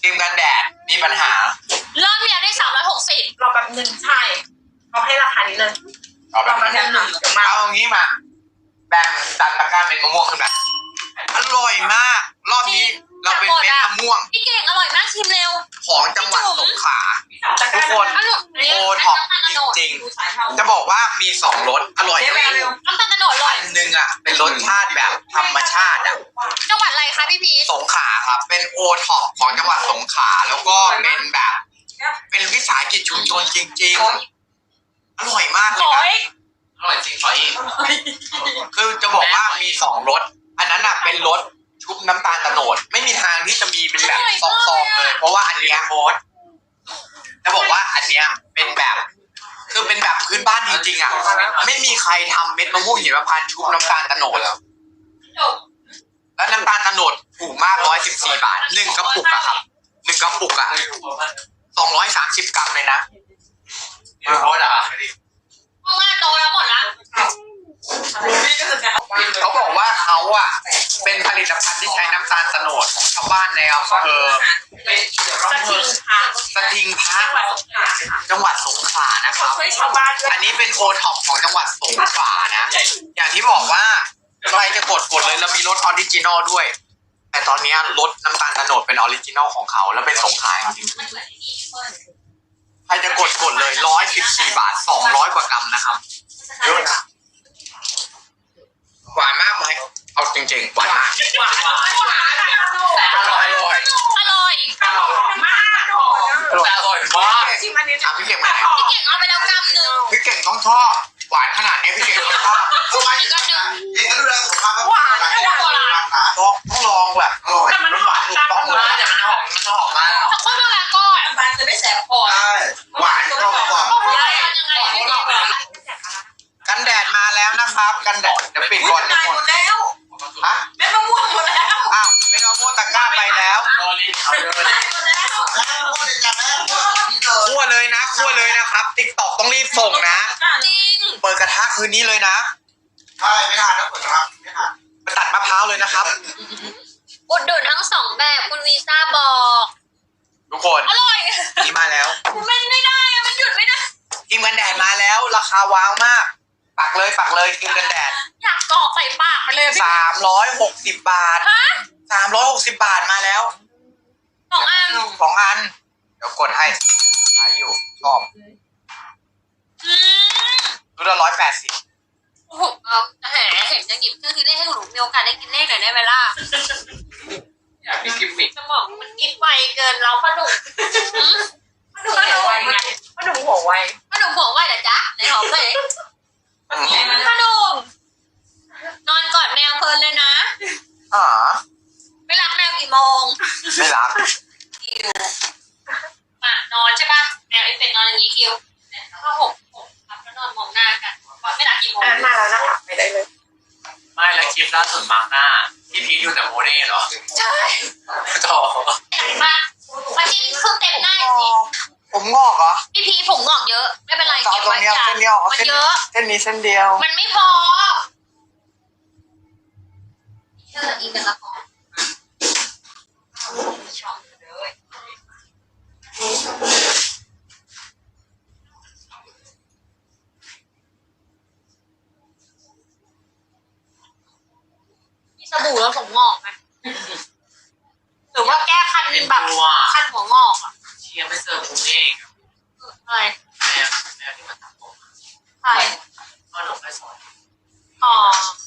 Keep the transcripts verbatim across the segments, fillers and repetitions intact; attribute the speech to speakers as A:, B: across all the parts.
A: ครีมกันแดดมีปัญหารอบ
B: เนี้ยได้สามร้อยหกสิบ
C: รอแป๊บนึงใช่เขาให้ราคานี้เลย
A: เอาแบบนี้มาเอางี้มาแบ่งตัดตะกร้าเป็นมะม่วงขึ้นแบบอร่อยมากรอบนี้เราเป็นเม็ดมะม่วง
B: พี่เก่งอร่อยมากชิมเร็ว
A: ของจังหวัดสงขลาทุกคนโอท็อปจริงๆจะบอกว่ามีสองรสอร่อยด้วย
B: น้ำตาลตะโนดอร่อย
A: อันหนึ่งอ่ะเป็นรสชาติแบบธรรมชาติอ่ะ
B: จังหวัดอะไรคะพี่พี
A: สงขลาครับเป็นโอท็อปของจังหวัดสงขลาแล้วก็เป็นแบบเป็นวิสาหกิจชุมชนจริงๆอร่อยมากเลยนะอร่อยจริงขออีกคือจะบอกว่ามีสองรสอันนั้นอ่ะเป็นรสชุบน้ำตาลตะโนดไม่มีทางที่จะมีเป็นแบบซองๆเลยเพราะว่าอันเนี้ยโค้ดจะบอกว่าอันเนี้ยเป็นแบบคือเป็นแบบพื้นบ้านจริงๆอ่ะไม่มีใครทำเม็ดมะม่วงหิมพานต์ชุบน้ำตาลตะโนดแล้วแล้วน้ำตาลตะโนดถูกมากร้อยสิบสี่บาทหนึ่งกระปุกอะครับหนึ่งกระปุกอะสองร้อยสามสิบกรัมเลยนะโค้ดอะ
B: มาโตแล้วหมดละ
A: เขาบอกว่าเขาอ่ะเป็นผลิตภัณฑ์ที่ใช้น้ำตาลโตนดของชาวบ้านในอำเภอสทิงพระจังหวัดสงขลานะครับอันนี้เป็นโอท็อปของจังหวัดสงขลานะอย่างที่บอกว่าใครจะกดกดเลยเรามีรสออริจินอลด้วยแต่ตอนนี้รสน้ำตาลโตนดเป็นออริจินอลของเขาแล้วเป็นสงขลาจริงใครจะกดกดเลยร้อยสิบสี่บาทสองร้อยกว่ากรัมนะครับเยอะนะหวานมากไหมเอาจริงๆหวานมาก
C: หวานหวานหวาน
A: อร่อยอร่อย
B: อร่อย
C: อร่อยมากอร่อย
A: อร่อยมาก
C: ชิมอันนี้
A: ถามพี่เก่งไหม
B: พี่เก่งเอาไปแล้วกรัมนึง
A: พี่เก่งต้องชอบหวานขนาดนี้พี่เก่งต้องชอบทำไมอีกนึงอีกเรื่องสุขภาพ
C: หวานขนาดนี้
A: ต้องต้องลองแบบอร่อย
C: มันหวานถูกต้องเลย
A: แต่มันหอมมันหอมมาก
B: ถ้าคนโบราณก็
C: บานจะไม่แสบคอ
A: ใช่หวานกรอบกรอบ
B: ยังไงพี่เก่ง
A: กันแดดมาแล้วนะครับกันแดดเดี๋ยวปิดก่อน
C: หมดแล้ว
A: ฮะ
C: เม็ดมะม่วงหมดแล้ว
A: อ้าวเม็ดมะม่วงตะกร้าไปแล้ว
C: หมดแล้ว
A: คั่วเลยนะคั่วเลยนะครับติ๊กต็อกต้องรีบส่งนะ
B: จริง
A: เปิดกระทะคืนนี้เลยนะใช่ไม่ทันนะเปิดกระทะไม่ทันไปตัดมะพร้าวเลยนะครับ
B: อุดหนุนทั้งสองแบบคุณวีซ่าบอก
A: ทุกคน
B: อร่อย
A: นี่มาแล้ว
B: มันไม่ได้มันหยุดไม่ได้
A: ครีมกันแดดมาแล้วราคาว้าวมากปักเลยปักเลยครีมกันแดด
B: อยากกรอกใส่ปากไปเลย
A: สามร้อยหกสิบบาทฮะสามร้อยหกสิบบาทมาแล้ว
B: สองอัน
A: สองอันเดี๋ยวกดให้ใช้อยู่ชอบดูละร้อยแปดสิบ
B: โอ้โหเอาแหมเห็นจะหยิบเครื่องคิดเลขให้หนูมีโอกาสได้กินเลขหน่อยได้ไหมล่ะ
A: อยากมีกิมมิค
B: สมองมันกินไวเกินเราพ่อหนุ่ม
C: พ่อหนุ่มหัวไวไงพ่อหนุ่มหัวไว
B: พ่อหนุ่มหัวไวเหรอจ๊ะไหนหอมเลยพ่อหนุ่มนอนกอดแมวเพลินเลยนะ
A: อ๋อ
B: ไม่รักแมวกี่โมง
A: ไม่รัก
B: คิวมานอนใช่ป่ะแมวไอ้เป็ดนอนอย่างนี้คิวก็หกหกครับแล้วนอนมองหน้ากันว่าไม่รักกี่โมง
C: มาแล้วนะคะไปได้เลย
A: ไม่แล้วคลิปล่าสุดมาหน้าพี่พีทอยู่แต่โมเน่เหรอ
B: ใช่
A: ต่อ
B: มามาจิ้มเครื่องเต็มหน้าสิ
A: ผมงอกเหรอ
B: พี่พีผมงอกเยอะไม่เป็นไรเก็บไว้
A: อย่ามันเยอะเส้นนี้เส้นเดียว
B: มันไม่พอเชื่ออีกเป็นละครมีสบู่แล้วผมงอกไหมหรือว่าแก้คันแบบคันหัวงอกอ่ะ
A: เชียร์ไม่เจอคุณเอง
B: อะไร
A: แม่แม่ที่มาตัดผม
B: ใช่
A: ก็หนูไปสอน
B: อ๋อ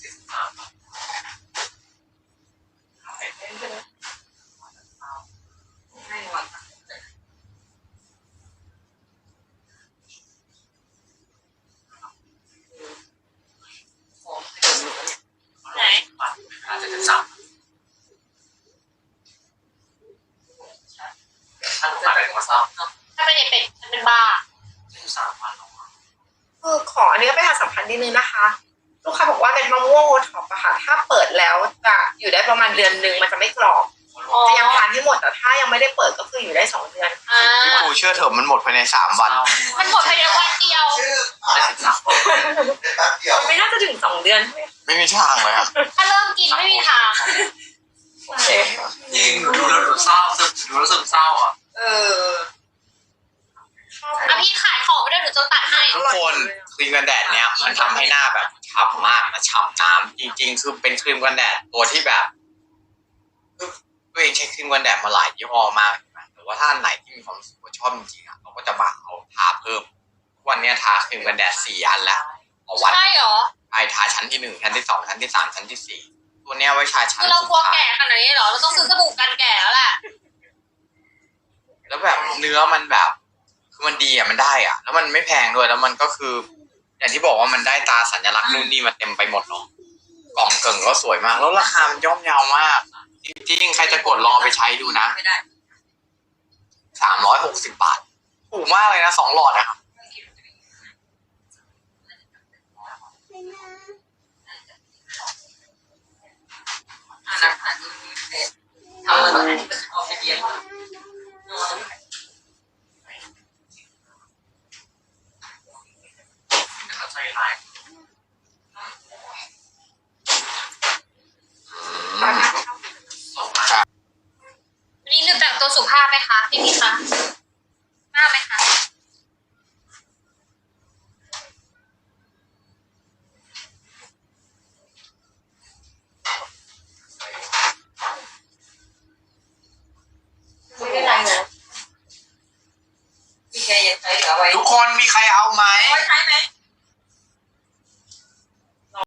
B: ไหน
A: อาจจะจะสับถ้าลูกค้าเป็นคนซ้ำ
B: ถ้าเป็นเป็ดฉันเป็นบ้า
A: สามวัน
C: เออขออันนี้ก็เป็นทางสัมพันธ์นิดนึงนะคะลูกค้าบอกว่าเป็นมะม่วงโอท็อปอะค่ะถ้าเปิดแล้วจะอยู่ได้ประมาณเดือนหนึ่งมันจะไม่กรอบจะยังทานให้หมดแต่ถ้ายังไม่ได้เปิดก็คืออยู่ได้สองเดือน
A: พี่ปูเชื่อเถอะมันหมดภายในสามวัน
B: มันหมดภายในวันเดียว
C: มันไม่น่าจะถึงสองเดือน
A: ไม่มีทางเลยครับ
B: ถ้าเริ่มกินไม่มีทาง
A: จริงดูแล้วดูเศร้าดูแล้วซึมเศร้าครีมกันแดดเนี้ยมันทำให้หน้าแบบฉ่ำมากมาฉ่ำน้ำจริงๆคือเป็นครีมกันแดดตัวที่แบบตัวเองใช้ครีมกันแดดมาหลายยี่ห้อมากแต่ว่าถ้าอันไหนที่มีความรู้สึกว่าชอบจริงๆอ่ะเราก็จะมาเอาทาเพิ่มวันนี้ทาครีมกันแดดสี่อันแล้วต่อวัน
B: ใช่เหรอ
A: ไอทาชั้นที่หนึ่งชั้นที่สองชั้นที่สามชั้นที่สี่ตัวเนี้ยไว้ทาชั้น
B: คือเรา
A: สุด
B: กลัว
A: ท้าย
B: แก่ขนาดนี้เหรอเราต้องซื้อสบู่กันแก่แล้วแหละ
A: แล้วแบบเนื้อมันแบบคือมันดีอ่ะมันได้อ่ะแล้วมันไม่แพงด้วยแล้วมันก็คือ อย่างที่บอกว่ามันได้ตาสัญลักษณ์นู่นนี่มาเต็มไปหมดเนาะกล่องเกิ่งก็สวยมากแล้วราคามันย่อมเยาวมากจริงๆใครจะกดลองไปใช้ดูนะสามร้อยหกสิบบาทถูกมากเลยนะสองหลอดนะครับ
D: ทำอะไรเอาไปเรียนเข้าใจร้าย
B: วันนี้ลืมแต่งตัวสุภาพไหมคะพี่พี่คะมากไหมคะ
D: ไม่เป็นไรนะพี่แกยังใช้เหลือไว้
A: ทุกคนมีใครเอาไหม